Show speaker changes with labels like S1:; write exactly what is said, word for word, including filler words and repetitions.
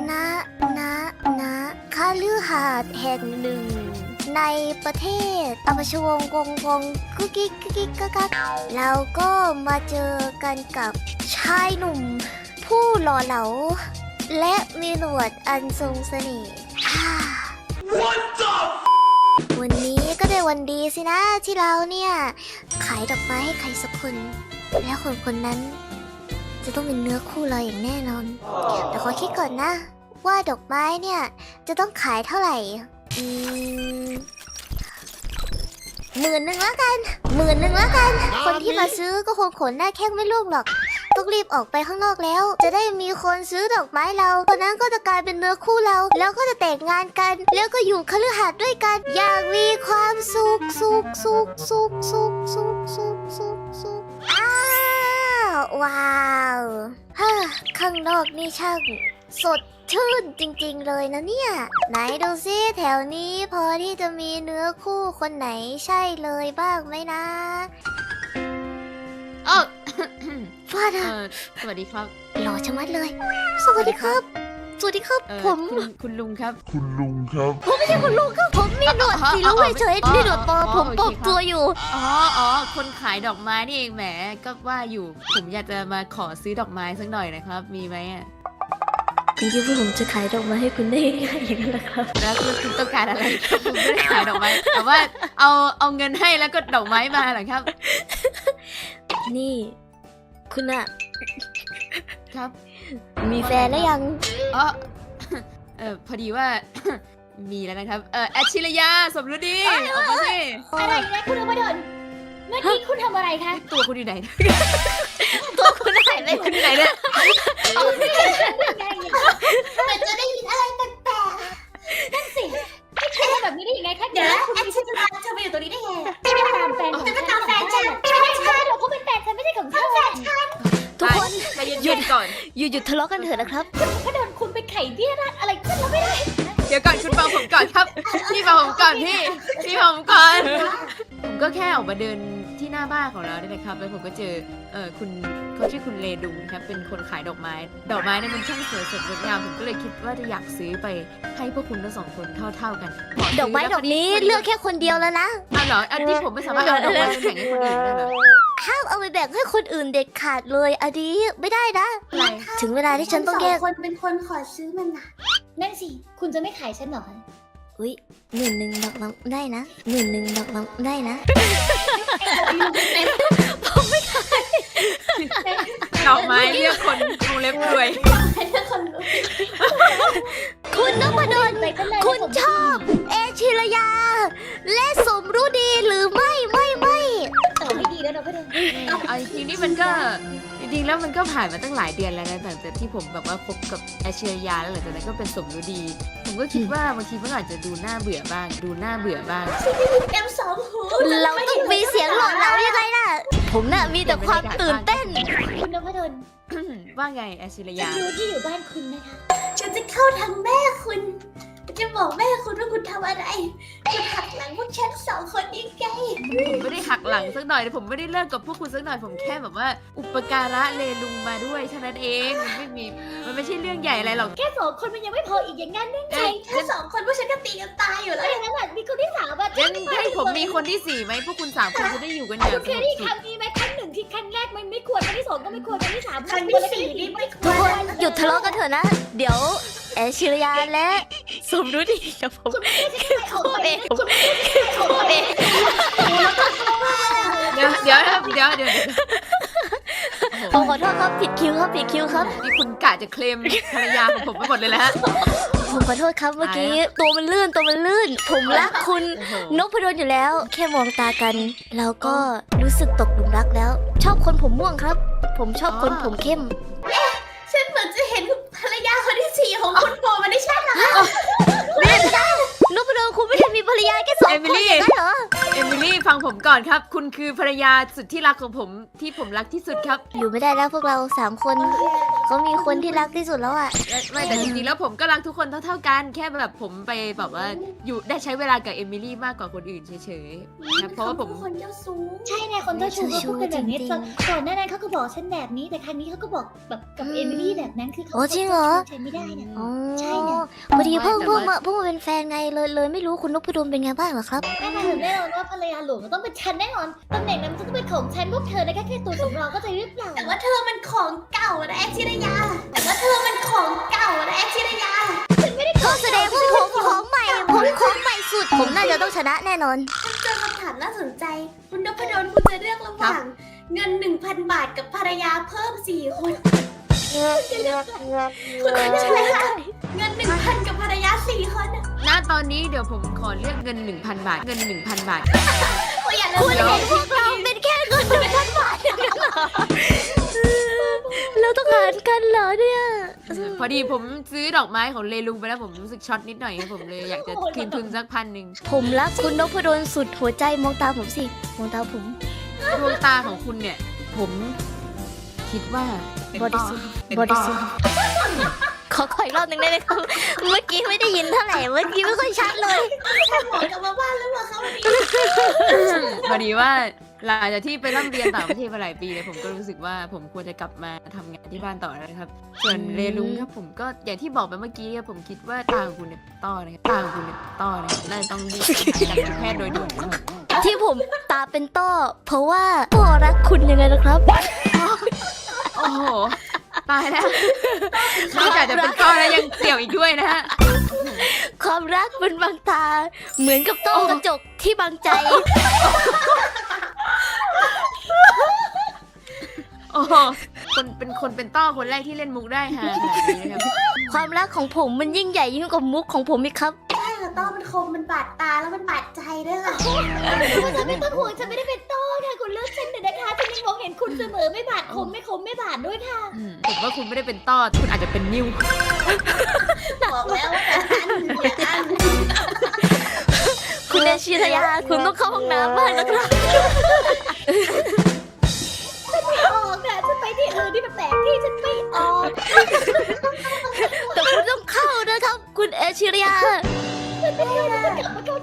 S1: ณณณคฤหาสน์แห่งหนึ่งในประเทศอมชวงกงกงกุ๊กกิ๊กกุ๊กกิ๊กกักกักเราก็มาเจอกันกับชายหนุ่ม ผู้หล่อเหลาและมีหนวดอันทรงเสน่ห์วันนี้ก็เป็นวันดีสินะที่เราเนี่ยขายดอกไม้ให้ใครสักคนแล้วคนคนนั้นจะต้องเป็นเนื้อคู่เราอย่างแน่นอนแต่ขอคิดก่อนนะว่าดอกไม้เนี่ยจะต้องขายเท่าไหร่อืมหมื่นหนึ่งแล้วกันหมื่นหนึ่งแล้วกันคนที่มาซื้อก็คงขนหน้าแข้งไม่ร่วงหรอกต้องรีบออกไปข้างนอกแล้วจะได้มีคนซื้อดอกไม้เราคนนั้นก็จะกลายเป็นเนื้อคู่เราแล้วก็จะแต่งงานกันแล้วก็อยู่คฤหาสน์ด้วยกันอย่างมีความสุขสุขสุขสุขสุขสุขสุขสุขสุขอ้าวว้าวฮ่าข้างนอกนี่ช่างสดชื่นจริงๆเลยนะเนี่ยไหนดูซิแถวนี้พอที่จะมีเนื้อคู่คนไหนใช่เลยบ้างไหมนะ
S2: เออ
S1: ว่า
S2: เอ
S1: นะ
S2: อสวัสดีครับ
S1: หล่อชะมัดเลย สวัสดีครับ สวัสดีครับ
S2: เอ่อ
S1: ผม
S2: คุณคุณลุงครับ
S3: คุณลุงครับ
S1: ผมไม่ใช่คุณลุงครับ ผมมีหนวดสีลุงเฉยๆนี่หนวดปลอมผมปลอมตัวอยู่
S2: อ๋ออ๋อคนขายดอกไม้นี่เองแหมก็ว่าอยู่ผมอยากจะมาขอซื้อดอกไม้สักหน่อยนะครับมีไหมอ่ะ
S1: คุณคิดว่าผมจะขายดอกไม้ให้คุณได้ง่ายๆอย่างนั้นเหรอครับ
S2: แล้วคุณคุณต้องการอะไรครับผมไม่ได้ขายดอกไม้แต่ว่าเอาเอาเงินให้แล้วก็ดอกไม้มาเหรอครับ
S1: นี่ คุณอะ
S2: ครับ
S1: มีแฟนแล้วยัง
S2: อ๋อเออพอดีว่า มีแล้วนะครับเออแอชชิรยาสมรู้ดีออกมาสิ
S4: อะไรนะคุณอมรดลเมื่อกี้คุณทำอะไรคะ
S2: ตัวคุณอยู่ไหน
S1: ตัวคุณหายไป
S2: คุณอยู่ไหนเนี่ย
S4: เหมือนจะได้ยินอะไรแปลกๆนั่นสิให้คุณทำแบบนี้ได้ยังไงคะเดี๋ยวนะแอนชิจะตามเธอมาอยู่ตรงนี้ได้ไงจะไปตามแฟนของฉันจะไปตามแฟนฉันไม่ใช่หรอกเขาเป็นแฟนฉันไม่ใช่ของฉันแฟนฉัน
S1: ทุกคน
S2: ใจเย็นๆก่อน
S1: หยุดหยุดทะเลาะกันเถอะนะครับ
S4: ก็โดนคุณไปไข่เบี้ยรัดอะไรขึ้นแล้วไม่ได้
S2: เดี๋ยวก่อนคุณฟังผมก่อนครับ พี่ฟังผมก่อนพี่ พี่ฟังผมก่อน ผมก็แค่ออกมาเดินที่หน้าบ้านของเราเนี่ยนะครับแล้วผมก็เจอเออคุณเขาชื่อคุณเลดุงครับเป็นคนขายดอกไม้ ดอกไม้เนี่ยมันช่างสวยสดงดงามผมก็เลยคิดว่าจะอยากซื้อไปให้พวกคุณทั้งสองคนเท่าๆกันขซื้
S1: ดอกไม้ดอกนี้เลือกแค่คนเดียวแล้วนะ
S2: อ้าวเหรออันนี้ผมไม่สามารถเอาดอกไม้ไปแบ่งให้คนอื่นได้เหรอ
S1: ห้ามเอาไปแบ่งให้คนอื่นเด็ดขาดเลยอันนี้ไม่ได้นะ
S2: อะไร
S1: ถึงเวลาที่ฉันต้องแยก
S4: คนเป็นคนขอซื้อมันนะนั่นสิคุณจะไม่ขายฉันหรอ
S1: อุ้ยหมื่นหนึ่งดอกน้ำได้นะหมื่นหนึ่งดอกน้ำได้นะ
S2: ดอกไม้เลือกคนวงเล็บรวย
S4: ให้เธอคนรู้
S1: คุณนพดล
S4: ไปกันเลย
S1: คุณชอบ เอชิรยา และสมรู้ดีหรือไม่ไม่ไม่
S4: ตอบไม่ดีแล้วเราก็เดิน
S2: เอาจริงๆนี่มันก็จริงๆแล้วมันก็ผ่านมาตั้งหลายเดือนแล้วนะแต่แต่ที่ผมแบบว่าคบกับแอชเชียาแล้วหลังจากนั้นก็เป็นสมรู้ดี ผมก็คิดว่าบางทีมันอาจจะดูน่าเบื่อบ้าง ดูน่าเบื่อบ้าง
S4: เอ็มสองหู
S1: เราต้องมีเสียงหล่อเหลายังไงล่ะ ผมน่ะมีแต่ความตื่นเต้น
S4: คุณนพดล
S2: ว่าไงแอชเชี
S4: ฉั
S2: ยาน
S4: รู้ที่อยู่บ้านคุณนะคะ ฉันจะเข้าทางแม่คุณ จะบอกแม่คุณว่าคุณทำอะไร คุณหักหลังพวกฉันสองคนนี้ไง
S2: ผมไม่ได้หักหลังสักหน่อยผมไม่ได้เลิกกับพวกคุณสักหน่อยผมแค่แบบว่า อุปการะเลลุงมาด้วยเท่านั้นเองมันไม่มีมันไม่ใช่เรื่องใหญ่อะไรหรอก
S4: แค่สองคนมันยังไม่พออีกอย่างงั้นได้ไง
S2: เอ้ย
S4: แค่สองคนพวกฉันก็ตีกันตายอยู่แล้วอย่างนั้นแหละมีคนที่สามอะ
S2: ยังให้ผมมีคนที่สี่ไหมพวกคุณสามคนจะได้อยู่กันอย่าง
S4: คุณ
S2: ส
S4: เคย
S2: งบ
S4: ได้
S2: สุ
S4: ครั้
S2: ข
S4: งนี้ไหมครั้งหนึ่งที่ครั้งแรกมันไม่ควรครั้งที่สองก็ไม่ควรครั้งที่สาม
S5: ครั้งที่สี่นี่ไม่ควร
S1: ทุกคนหยุดทะเลาะกันเถอะนะ เดี๋ยวเอชิรยาและสมรู้ดีกับผม
S4: คุณไม่ได้ใช่ของตัวเองคุณไม่ได้
S1: ของตัวเอง
S2: เดี๋ยวเดี๋ยวนะครับเดี๋ยวเดี๋ยวเดี๋ยวโอ้
S1: ผม
S2: โห
S1: ขอโทษครับผิดคิวครับผิดคิวครับ
S2: นี่คุณกะจะเคลมภรรยาของผมไปหมดเลยแล้วฮะ
S1: ผมขอโทษครับเมื่อกี้ตัวมันลื่นตัวมันลื่น ผมรักคุณ
S2: โอ้โห
S1: นพดลอยู่แล้ว แค่มองตากัน เราก็รู้สึกตกหลุมรักแล้ว ชอบคนผมม่วงครับ ผมชอบคนผมเข้ม
S5: ฉันเหมือนจะเห็นภรรยาคนที่สี่ของคุณโผล่มาในชาติหลัง
S1: นพดลคุณไม่ได้มีภรรยาแค่สองคนอย่างนั้นเหรอ
S2: เอมิลี่ฟังผมก่อนครับ คุณคือภรรยาสุดที่รักของผมที่ผมรักที่สุดครับ
S1: อยู่ไม่ได้แล้วพวกเราสามคนเขามีคนที่รักที่สุดแล้วอ่ะ
S2: และไม่แต่จริงๆแล้วผมก็รักทุกคนเท่าๆกันแค่แบบผมไปแบบว่าอยู่ได้ใช้เวลากับเอมิลี่มากกว่าคนอื่นเฉยๆนะเพราะว่าผม
S5: คนเจ้าสูง
S4: ใช่ในคนเจ้าชู้เขาพูดกันแบบนี้ก่อนหน้านั้นเขาก็บอกฉันแบบนี้แต่ครั้งนี้เขาก็บอกแบบกับเอมิลี่แบบนั้นคือเขา
S1: โอ้จริงเหรอ
S4: ฉันไม่ได้นะ
S1: อ๋อ
S4: ใช่นะ
S1: พอดีเพิ่งเพิ่งมาเพิ่งมาเป็นแฟนไงเลยเลยไม่รู้คุณนพดลเป็นไงบ้างเหรอครับ
S4: แน่นอนแน่นอนว่าภรรยาหลวงต้องเป็นฉันแน่นอนตำแหน่งนั้นต้องเป็นของฉันพวกเธอนะแค่แค่ตัวสำรองก็จะหรือเปล่า
S5: แต่ว่าเธอมันของเก่านะแอคชิรยาแต่ว่าเธอมันของเก่านะแอคชิรยา
S1: ก็แสดงว่าผมของใหม่ผมของใหม่สุด ผมน่าจะต้องชนะแน่นอน
S5: เจอคำถามน่าสนใจ คุณนพดลคุณจะเลือกระหว่างเงิน หนึ่งพัน บาทกับภรรยาเพิ่มสี่คนคุณจะอะไรคะเงิน หนึ่งพัน กับภรรยาสี่คนอะ
S2: ณตอนนี้เดี๋ยวผมขอเลือกเงิน 1,000 บาทเงิน 1,000 บาท
S5: โอ้ยอย่า
S1: คุณ
S5: เลย
S1: เห็นพวกเราเป็นแค่เงินหนึ่งพันบาทเราต้องหารกันเหรอเนี่ย
S2: พอดีผมซื้อดอกไม้ของเลลุงไปแล้วผมรู้สึกช็อตนิดหน่อยครับผมเลยอยากจะคืนทุนสักพันหนึ่ง
S1: ผมรักคุณนพดลสุดหัวใจมองตาผมสิมองตาผม
S2: ดวงตาของคุณเนี่ย ผมคิดว่าเป็น
S1: บริสุทธิ์บริสุทธิ์ขอขออีกรอบหนึ่งได้ไหมครับเมื่อกี้ไม่ได้ยินเท่าไหร่เมื่อกี้ไม่ค่อยชัดเลย
S5: หมอกลับมาบ้านแล้วเหรอคะวันนี้
S2: พอดีว่าหลังจากที่ไปร่ำเรียนต่างประเทศมาหลายปีเนี่ยผมก็รู้สึกว่าผมควรจะกลับมาทำงานที่บ้านต่อแล้วนะครับ ส่วนเลลุงครับผมก็อย่างที่บอกไปเมื่อกี้ครับผมคิดว่าตาของคุณเนี่ยต้อนะครับตาของคุณเนี่ยต้อนะครับน่าจะต้องรีบไปหาการแพทย์โดยด่วนนะครับ
S1: ที่ผมตาเป็นต้อ เพราะว่าพ่อรักคุณยังไงนะครับ
S2: โอ้โหตายแล้วนอกจากจะเป็นต้อแล้วยังเสี่ยวอีกด้วยนะฮะ
S1: ความรักเป็นบางตา เหมือนกับต้อกระจกที่บางใจ
S2: โอ้โหคนเป็นคนเป็นต้อคนแรกที่เล่นมุกได้ฮะขนาดนี้นะครับ
S1: ความรักของผมมันยิ่งใหญ่ยิ่งกว่ามุกของผมอีกครับ
S5: ใช่ค่ะต้อมันคมมันบาดตาแล้วมันบาดใจด้วยค่ะ
S4: ฉันไม่ต้องห่วงฉันไม่ได้เป็นโต้ค่ะคุณเลือกฉันแต่นะคะฉันยังมองเห็นคุณเสมอไม่บาดคมไม่คมไม่บาดด้วยค่ะ
S2: อืมผมว่าคุณไม่ได้เป็นต้อคุณอาจจะเป็นนิ้ว
S5: บอกแล้วว่าอย่าอันอย่าอัน
S1: คุณเอชิรยา คุณต้องเข้าห้องน้ำบ้างนะครับ
S4: ไม่ออกนะฉันไปที่อื่นที่มันแปลกที่ฉันไม่ออก
S1: แต่คุณต้องเข้านะครับ คุณเอชิรยา
S4: ฉันไม่เข้าฉันกลับมาเข้า